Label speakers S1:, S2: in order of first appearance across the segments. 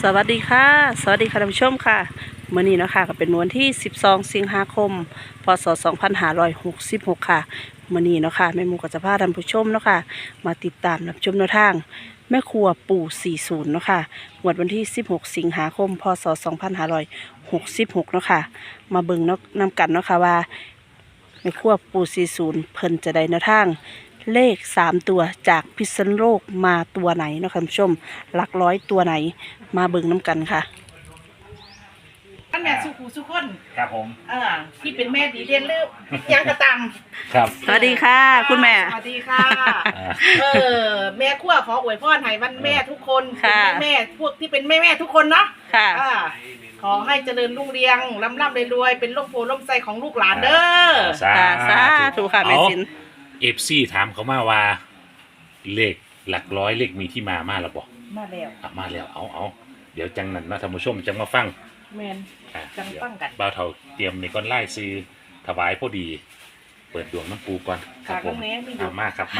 S1: สวัสดีค่ะท่านผู้ชมค่ะมื้อนี้เนาะค่ะก็เป็นวันที่12สิงหาคมพศ2566ค่ะมื้อนี้เนาะค่ะแม่หมูก็จะพาท่านผู้ชมเนาะค่ะมาติดตามรับชมแนวทางแม่ครัวปู่40เนาะค่ะงวดวันที่16สิงหาคมพศ2566เนาะค่ะมาเบิ่งเนาะนำกันเนาะค่ะว่าแม่ครัวปู่40เพิ่นจะได้แนวทางเลข3ตัวจากพิษณุโลกมาตัวไหนเนาะค่ะท่านผู้ชมหลักร้อยตัวไหนมาเบิ่งน้ำกันค่ะ
S2: ท่านแม่สุขูสุคน
S3: ครับผม
S2: ที่เป็นแม่ดีเด่นหรือยังกระตัง
S3: ครับ
S1: สวัสดีค่ะคุณแม่
S2: สวัสดีค่ะแม่ขั้วขออวยพรให้วันแม่ทุกคน
S1: ค่ะ
S2: เป็นแม่พวกที่เป็นแม่ทุกคนเนาะ
S1: ค่ะ
S2: ขอให้เจริญรุ่งเรืองร่ำรวยเป็นร่มโพล่มไทรของลูกหลานเด้อ
S1: ค่ะสาธุค่ะแม่สิน
S3: FC ถามเขามาว่า เลขหลักร้อยเลขมีที่มาแล้วบอก
S2: มาแล้ว
S3: มาแล้วเอาเดี๋ยวจังนั้นนะท่านผู้ชมจังมาฟัง
S2: แมน
S3: อ่ะ
S2: จังฟังกัน
S3: เดี๋ยวบ่าวเฒ่าเตรียมในก้อนไล่ซื้อถวายพอดี เปิดดวงน้ำปูก่อนครับผม
S2: ค่ะน้องแม่มีอยู่
S3: มากครับมา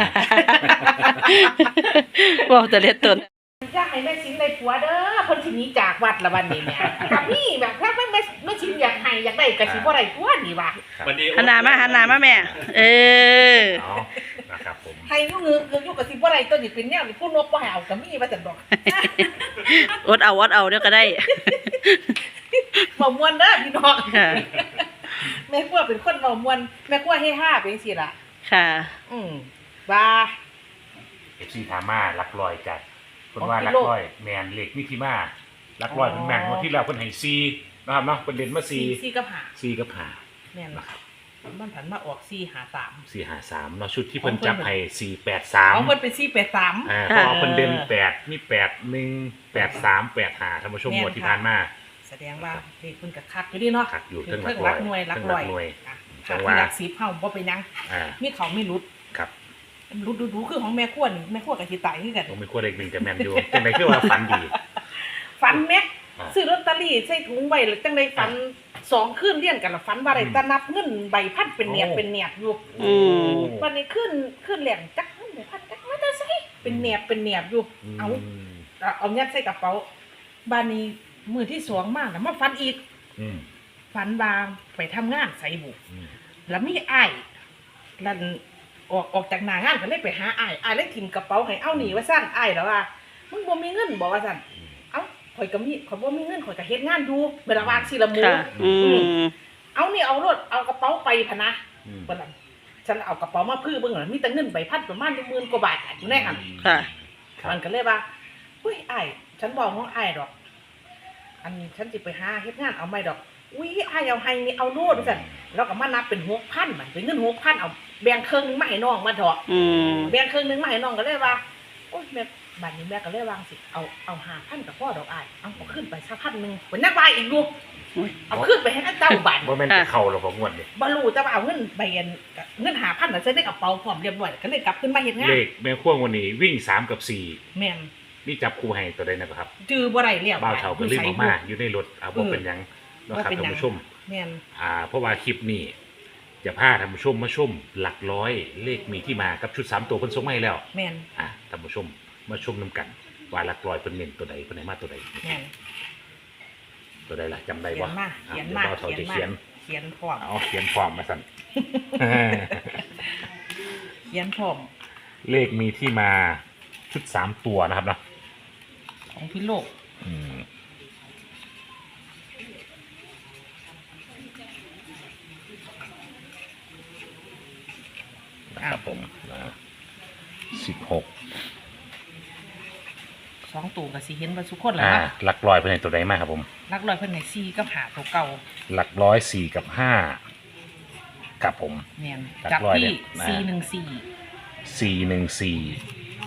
S1: บอกแต่เล็ดตน
S2: อยากให้แม่ชินได้ผัวเด้อเพิ่นสิหนีจากวัดละวันนี้เนี่ยกับนี่แบบถ้าแม่ชินอยากให้อยากได้ก็สิบ่ได้ผัวนี่ว่ะ
S3: วันนี้
S1: หันหน้ามาแม่ เออ
S3: เอานะครับผม
S2: ให้อยู่เงือกอยู่กับสิบ่ได้ตัวนี้เป็นแนวนี่ผู้นกบ่ให้เอาก็มีว่าจังดอก
S1: อดเอาเดี๋ยวก็ได้
S2: บ่ม่วนเด้อพี่น้อง
S1: ค่ะ
S2: แม่ครัวเป็นคนเว้าม่วนแม่ครัวเฮฮาเป็นจังซี่ล่ะ
S1: ค่ะ
S2: ว่า
S3: FC ถามมาหลักร้อยจัดคนว่าหลักร้อยแมนเลขมีที่มาหลักร้อยเป็นแมนวันที่เราเพิ่นให้4นะครับเนาะเพิ่นเด่นมา4
S2: 4กับ5
S3: 4กับ5
S2: แม่น
S3: นะครับ
S2: มันผันมาออก453
S3: 453เนาะชุดที่เพิ่นจับให้
S2: ของเพิ่น
S3: 483
S2: เป็น483
S3: เพราะว่าเพิ่นเด่น8มี8 1 8 3 8 5ท่านผู้ชม
S2: แม่น
S3: งวดที่ผ่านมา
S2: แสดงว่าเลขเพิ่นก็คักอยู่ดีเนาะ
S3: คักอยู่
S2: เพิ่
S3: เทิ
S2: น
S3: งหลั
S2: รั
S3: ก
S2: ก
S3: ร้อย
S2: หน่วยรัก
S3: เทิง
S2: ร้อย
S3: หน่วย
S2: จั
S3: จั
S2: ง
S3: ง
S2: ว่า
S3: ว่า
S2: หลัก10เฮาบ่เป็นหยัง
S3: อ่า
S2: มีเขาไม่รุด
S3: ครับ
S2: รุดดูคือของแม่ครัวนี่แม่ครัวก็สิตายคือกัน
S3: ผมมีขั้วเลข1จะแม่นอยู่จังได๋คือว่าฝันดี
S2: ฝันแม่
S3: อ่า
S2: ซื้อลอตเตอรี่ใส่ถุงไว้แล้วจังได๋ฝัน2คืนเรียนกันละฝันว่าได้ตะนับเงินใบพันเป็นเนียบเป็นเนียบอยู่
S1: อืม
S2: วันนี้ขึ้นแหลงจักเดี๋ยวพันจักมาแต่ใส่เป็นเนียบอยู่เอายัดใส่กระเป๋าบ้านนี้มือที่สองมากแล้วมาฟันอีก
S3: อืม
S2: ฟันบางไปทำงานใส่บุ
S3: อืม
S2: แล้วมีอ้ายลันออกจากหน้างานก็เลยไปหาอ้ายเลยถิ่มกระเป๋าให้เอาหนีว่าสั้นอ้ายแล้วว่ามึงบ่มีเงินบอกว่าสั้นเอ้าข่อยก็มีข่อยบ่มีเงินข่อยก็เฮ็ดงานอยู่เวลาว่างสิละหมู
S1: ค่ะ อืม
S2: เอานี่เอารถเอากระเป๋าไปพะนะ
S3: อืม
S2: เพิ่นน่ะฉันเอากระเป๋ามาพื้อเบิ่งน่ะมีแต่เงินใบพัดประมาณ10,000กว่าบาทอยู่ในหั่น
S1: ค่ะ
S2: มันก็เลยว่าอุ้ยอ้ายฉันบอกน้องอ้ายดอก อันนี้ฉันสิไปหาเฮ็ดงานเอาไม่ดอกอุ้ยอ้ายเอาให้นี่เอาโลดว่าซั่นแล้วก็มานับเป็น6,000มันเป็นเงิน6,000เอาแบ่งครึ่งนึงมาให้น้องมาเถาะ
S1: อืม
S2: แบ่งครึ่งนึงมาให้น้องก็เลยว่าโอ้ยแม่บัดนี้แม่ก็เลยวางสิเอา5,000กับพ่อดอกอ้ายเอาขึ้นไปสัก1,000นึงเพิ่นนักว่าอีกอยู่
S1: อุ๊ย
S2: เอาขึ้นไปให้เจ้าบัด
S3: บ่แม่นจะเข้าหรอกบ่งวดนี่
S2: บ่รู้แต่ว่าเอาเงินใบเงิน5,000น่ะใส่ในกระเป๋าพร้อมเรียบร้อยก็เลยกลับขึ้นมาเฮ็ดงาน
S3: เลขแม่ขั้ววันนี้วิ่ง3กับ
S2: แม่น
S3: 4นี่จับคู่ให้ตัวใดนะครับ
S2: จื้อบ่ได้แล้ว
S3: บ่าวเฒ่าก็ลืมออกมาอยู่ในรถบ่เป็นหยังเนาะครับท่านผู้ชม
S2: แม่น
S3: เพราะว่าคลิปนี้จะพาท่านผู้ชมมาชมหลักร้อยเลขมีที่มากับชุด3ตัวเพิ่นส่งมาให้แล้ว
S2: แม่น
S3: ท่านผู้ชมมาชมนํกันว่าหลักร้อยเพิ่นเน้นตัวใดเพิ่นให้มาตัวใด
S2: แม่น
S3: ตัวใดล่ะจำได้
S2: เขี
S3: บ่
S2: ยนมา
S3: เดี๋ยวเราจะเขียน
S2: เขียนพร้อม
S3: เอาเขียนพร้อมมาสั่น
S2: เขียนพร้อม
S3: เลขมีที่มาชุด3ตัวนะครับเนาะ
S2: ของพี่โลก
S3: อืมนะครับผม16
S2: 2ตัวก็สิเห็นว่าทุกคนแหละครับ
S3: หลักร้อยเพิ่นให้ตัวใดมาครับผม
S2: รักร้อยเพิ่นให้4กับ5ตัวเก่า
S3: หลักร้อย4กับ5กับผม
S2: แม่น
S3: หลัก
S2: จับ
S3: ร้อย
S2: ที่
S3: เนี่ย 414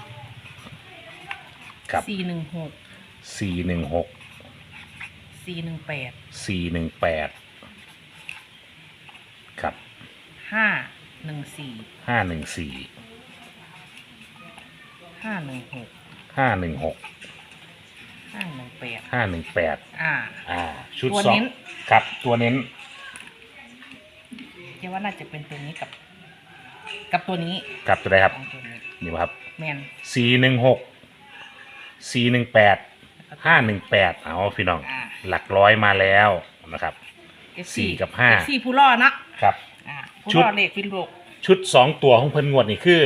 S3: กับ
S2: 414 416
S3: 416
S2: 418
S3: 418ครับ
S2: 514
S3: 514
S2: 516
S3: 516
S2: 518
S3: 518ชุด
S2: ตัว
S3: สอง
S2: เน้น
S3: ครับตัวเน้น
S2: คิดว่าน่าจะเป็นตัวนี้กับตัวนี้
S3: กับตัวใดครับ
S2: ของตัวนี้
S3: นี่บ่ครับ
S2: แม่น
S3: 416 418 518เอาพี่น้อง
S2: อ่า
S3: หลักร้อยมาแล้วนะครับ สี่กับห้า
S2: สี่ผู้ล่อนะครับ ผู้
S3: ชุด
S2: ล่อเลขพินโลก
S3: ชุด2ตัวของเพิ่นงวดนี่คือ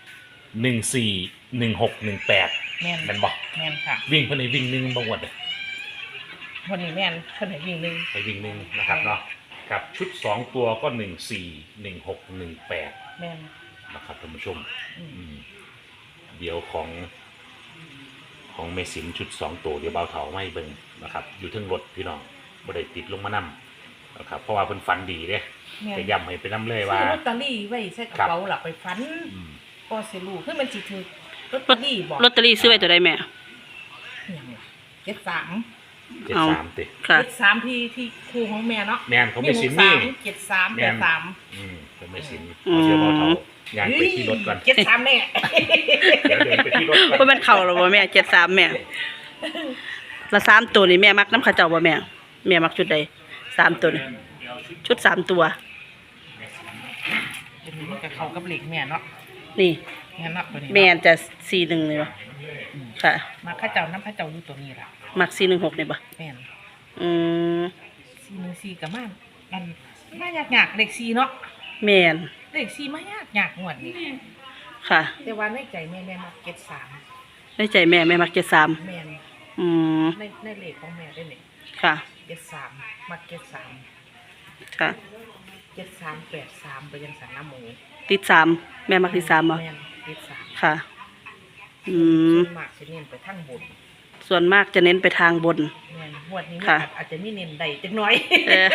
S3: 14 16 18
S2: แม่น
S3: แม่นบ่
S2: แม่นค่ะ
S3: วิ่งเพิ่นให้วิ่ง1บ่งวดเลย
S2: คนนี้แม่นเพิ่นให้วิ่งหนึ่ง
S3: ให้วิ่ง1นะครับเนาะครับชุด2ตัวก็14 16 18
S2: แม่น
S3: นะครับท่านผู้ชม
S2: อืม
S3: อืมเดี๋ยวของเมสินชุด2ตัวเดี๋ยวเบาเถาไม่เบิ่งนะครับอยู่เทึงรถพี่น้องบ่ได้ติดลงมานำนะครับเพราะว่าเพิ่นฝันดีเด้
S2: แม่น
S3: จะย้ำให้ไปนำเลยว่า
S2: ซื้อลอตเตอรี่ไว้ใส่กระเป๋าหลับไปฟัน
S3: อืม
S2: ก็สิรู้คือมันสิถือลอตเตอรี่บอก
S1: ลอตเตอรี่ซื้อไว้ตัวใดแม่
S2: เจ็ดสาม
S3: 73ติ
S1: ค่ะ
S2: เจ็ดสามที่ครูของแม่เนาะ
S3: แม่นของเมสินนี่
S2: เจ็ดสามแปดสาม
S3: ของเมสินเอาเดี๋ยวเบาเถาย่างไปที่รถก่อน
S2: เจ็ดสามแน่
S3: เดี๋ยวเดินไปที่รถก่อน
S1: ว่ามันเข่าหรอบ่แม่73แม่ละ3ตัวนี่แม่มักน้ำข้าเจ้าบ่แม่แม่มักชุดใด3ตัวนี่ชุด3ตัว
S2: เดี๋ยวนี้มันก็เข้ากับเหล็กแม่เนาะ
S1: นี่
S2: แม่เนาะตัวนี้
S1: แม่จะ41เลยบ่ค่ะ
S2: มาข้าเจ้าน้ำข้าเจ้าอยู่ตัวนี้ล่ะ
S1: มัก416นี่บ่
S2: แม่น
S1: อืม
S2: 414กับมันมันมายากๆเลข4เนาะ
S1: แม่น
S2: เลข4มายากๆงวดนี้
S1: ค่ะ
S2: แต่ว่าในใจแม่มาเก็ต3
S1: ในใจแม่แม่มัก73
S2: แม่น
S1: อืม
S2: ในเลขของแม่ได้นี่
S1: ค่ะ
S2: เก็ต3มาเก็ต3
S1: ค่ะ
S2: เก็ต3 8 3ไปยังสันน้ำหมู
S1: ติด3แม่มักติด3บ่
S2: แม่นเก็ต3
S1: ค่ะ อืม
S2: ส่วนมากสิเน้นไปทางบน
S1: ส่วนมากจะเน้นไปทางบน
S2: แม่นงวดนี้
S1: ค่ะ
S2: อาจจะมีเน้นใดจักหน่อย
S1: เออ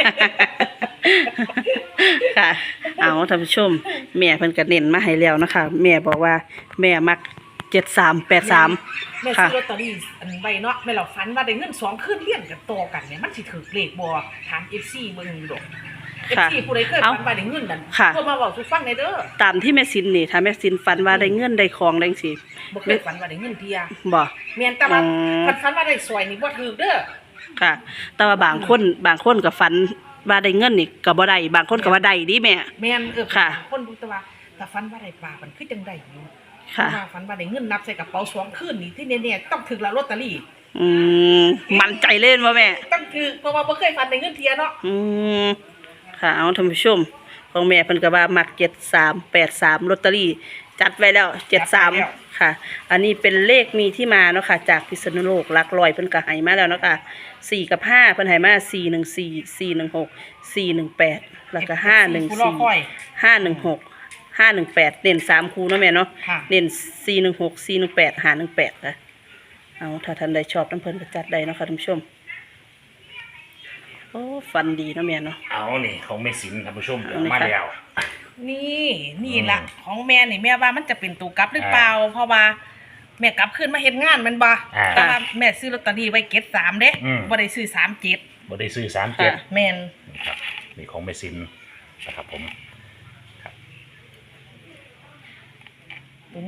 S1: ค่ะ เอาท่านผู้ชม แม่เพิ่นก็เน้นมาให้แล้วนะคะ แม่บอกว่าแม่มัก7383
S2: แม่
S1: ค่ะ
S2: ซื้อลอตเตอรี่อันใบเนาะแม่เราฝันว่าได้เงิน2คืนเลี้ยงกันต่อกันเนี่ยมันสิถือเลขบ่ถาม FC เบิ่งอยู่ดอก
S1: ค่ะ
S2: FC ผู้ใดเคยฝันว่าได้เงินนั่น
S1: ค่ะ
S2: โทรมาเว้าสู่ฟังได้เด้อ
S1: ตามที่แม่สินนี่ถ้าแม่สินฝันว่าได้เงินได้ของได้จังซี่
S2: บ่เคยฝันว่าได้เงินเที่ย
S1: บ่
S2: แม่นแต่ว่า
S1: อืม
S2: ฝันว่าได้สวยนี่บ่ถือเด้อ
S1: ค่ะ แต่ว่าบางคนก็ฝันว่าได้เงินนี่ก็บ่ได้บางคนก็ว่าได้ดิแม่
S2: แม่น
S1: ค่ะ
S2: คนดูแต่ว่าแต่ฝันว่าได้ปลามันคือจังได๋อยู่
S1: ค่ะ
S2: ว่าฝันว่าได้เงินนับใส่กระเป๋า2คืนนี่ที่แน่ๆต้องถึกละลอตเตอรี่
S1: อืมมั่นใจเล่นบ่แม่
S2: ต้องถึกเพราะว่าบ่เคยฝันได้เงินเที่ยเนาะ
S1: อืมค่ะเอาท่านผู้ชมของแม่เพิ่นก็ว่ามัก7383ลอตเตอรี่จัดไว้แล้ว73ค่ะ อันนี้เป็นเลขมีที่มาเนาะค่ะจากพิษณุโลกหลักร้อยเพิ่นก็ให้มาแล้วเนาะค่ะ4กับ5เพิ่นให้มา414 416 418แล้วก็
S2: ผู้รอคอย
S1: 514 516 518เน้น3คู่เนาะแม่เนาะ
S2: ค่ะ
S1: เน้น416 418 518ค่ะเอาถ้าท่านใดชอบน้ำเพิ่นก็จัดได้เนาะค่ะท่านผู้ชมโอ้ฟันดีเนาะแม่เนาะ
S3: เอานี่ของเมสินท่านผู้ชม
S1: เอาเลย
S3: มา
S1: ค่ะ
S3: แล้ว
S2: นี่ล่ะของแม่นี่แม่ว่ามันจะเป็นตัวกลับหรือเปล่าเพราะว่าแม่กลับขึ้นมาเฮ็ดงานแมันบ่
S3: อ่า
S2: แต่ว่าแม่ซื้อลอตเตอรี่ไว้เก็ต3เด้
S3: อืม
S2: บ่ได้ซื้อ37
S3: บ่ได้ซื้อ
S1: ค่ะ
S3: 37
S2: แม่น
S3: ครับนี่ของเมสินนะครับผมครับ
S2: ตัว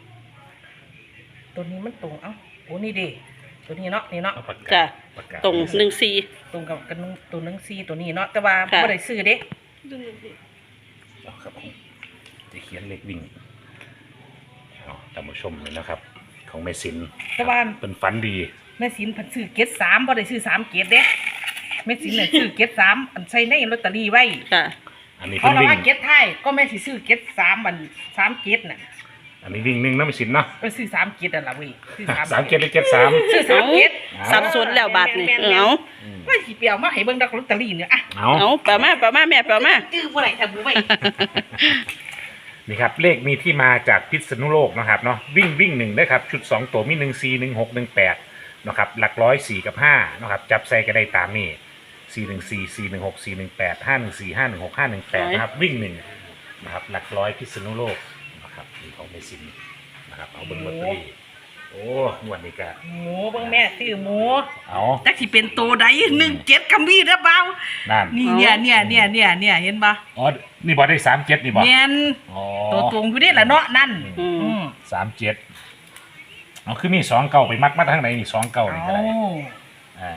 S2: นี้มันตรงเอ้าโอ้นี่เด้ตัวนี้เนาะนี่เนาะ
S3: เอาปาก
S1: จ้ะ
S3: กาปากกา
S1: ตรง14
S2: ตรงกับกันตัวหนังซีตัวนี้เนาะแต่ว่า
S1: ค่ะ
S2: บ่ได้ซื้อเด้
S3: เอาครับผมจะเขียนเลขวิ่งเอาท่านผู้ชมเลยนะครับ ของเมสิน
S2: แต่ว่า
S3: เป็นฝันดี
S2: แม่สินเพิ่นซื้อเก็ต3บ่ได้ซื้อ3เก็ตเด้แม่สินน่ะซื้อเก็ต3อันใส่ในลอตเตอรี่ไว้
S1: ค่ะ
S3: อันนี้
S2: เพ
S3: เป็น
S2: ราะเรา
S3: วิ่ง
S2: ว่าเก็ตไทยก็แม่สิซื้อเก็ต3อัน3เก็ตน่ะ
S3: อันนี้วิ่งหนึ่งนะเมสินเนาะ
S2: ก็ซื้อ3เก็ตนั่นล่ะเว้ยซื้อ3
S3: 3 7ได้73
S2: ซื้อ3เก็ต
S1: สับสนแล้วบาทนี่เอา
S2: ว่าสิเปียวมาให้เบิ่งดอกลอตเตอรี่เนี่ยอ่ะ
S3: เอา
S1: เอาแปลมาแม่แปลมา
S2: จื้อบ่ได้ถ้าบ่ไว้
S3: นี่ครับเลขมีที่มาจากพิษณุโลกนะครับเนาะวิ่งหนึ่งนะครับชุด2ตัวมี1 4 1 6 1 8นะครับหลักร้อย4กับ5นะครับจับใส่ก็ได้ตามนี้414 416 418 514 516 518นะครับวิ่งหนึ่งนะครับหลักร้อยพิษณุโลกนะครับนี่ของเมสินนะครับเอาเบิ่งลอตเตอรี่โอ้งวดนี้ก็
S2: หมูเบิ่งแม่ซื้อหมู
S3: เอา
S2: จักสิเป็นโตใด17ก็มีเด้อเปล่า
S3: นั่น
S2: นี่เนี่ยเห็นบ่
S3: อ๋อนี่บอได้37นี่บอ
S2: แม่น
S3: อ๋อ
S2: ตัวตรงอยู่นี่ล่ะเนาะนั่น
S1: อืม
S2: อืม
S3: 37เอาคือมี2เก่าไปมัดมาทางไหนนี่2เก่านี่ก็
S2: เอา
S3: ได้อ่า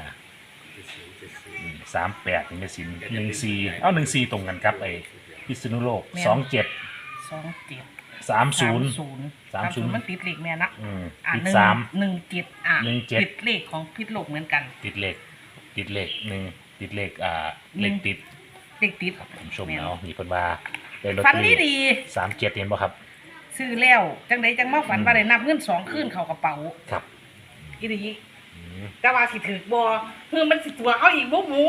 S3: 38นี่เมสิน14เอา14ตรงกันครับไอ้พิษณุโลก27
S2: 27
S3: 30
S2: มันติดเลขแม่นะ
S3: ติด
S2: หนึ่ง
S3: สาม
S2: 17 ติดเลขของพิษโลกเหมือนกัน
S3: ติดเลขหนึ่งติดเลขเลขติด
S2: เลขติด
S3: ครับผมชม
S2: แม่น
S3: เอามีเพิ่นว่าได้ลอต
S2: ฝัน
S3: เตอรี่
S2: ดี
S3: 37เห็นบ่ครับ
S2: ซื้อแล้วจังใดจังมาฝันว่าได้นับเงิน2คืนเข้ากระเป๋า
S3: ครับ
S2: อีหลี
S3: อืม
S2: แต่ว่าสิถือบ่คือมันสิตัวเอาอีกบ่หมู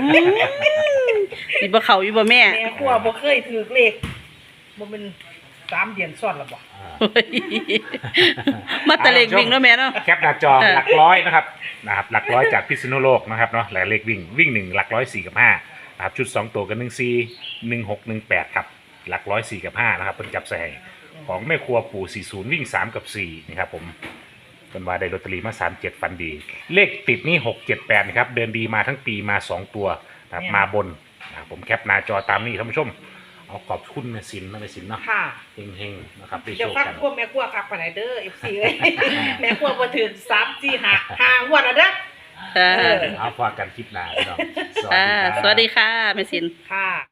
S1: สิบ่เข้าอยู่บ่แม่
S2: แม่ครัวบ่เคยถือเลขบ่เป็น3 เดือนซ้อนแล้วบ่
S1: โอ้ยมาแตะเลขวิ่งเนาะแม่เนาะ
S3: แคปหน้าจอหลักร้อยนะครับหลักร้อยจากพิษณุโลกนะครับเนาะและเลขวิ่ง1หลักร้อย4กับ5นะครับชุด2ตัวกัน14 16 18ครับหลักร้อย4กับ5นะครับเพิ่นจับใส่ของแม่ครัวปู่40วิ่ง3กับ4นะครับผมเพิ่นว่าได้ลอตเตอรี่มา37ฟันดี เลขติดนี่6 7 8นะครับเดินดีมาทั้งปีมา2ตัวนะครับมาบนนะครับผมแคปหน้าจอตามนี้ท่านผู้ชมเอาขอบคุณแม่สินนะแม่สินเนาะ
S2: ค่ะ
S3: เฮงๆนะครับได้โช
S2: เดี๋ยว
S3: ค
S2: ฟัง
S3: กัน
S2: พวกแม่ครัวครับปานใดเด้อ FC เอ้ย แม่ครัวบ่ถึง3 4 5งวดแล้วเด้อ
S1: ค่ะ
S3: เอาฝากกันคลิปหน้าพี่น้องสวัส
S1: ค่ะ
S3: ดีครับ
S1: สวัสดีค่ะแม่สิน
S2: ค่ะ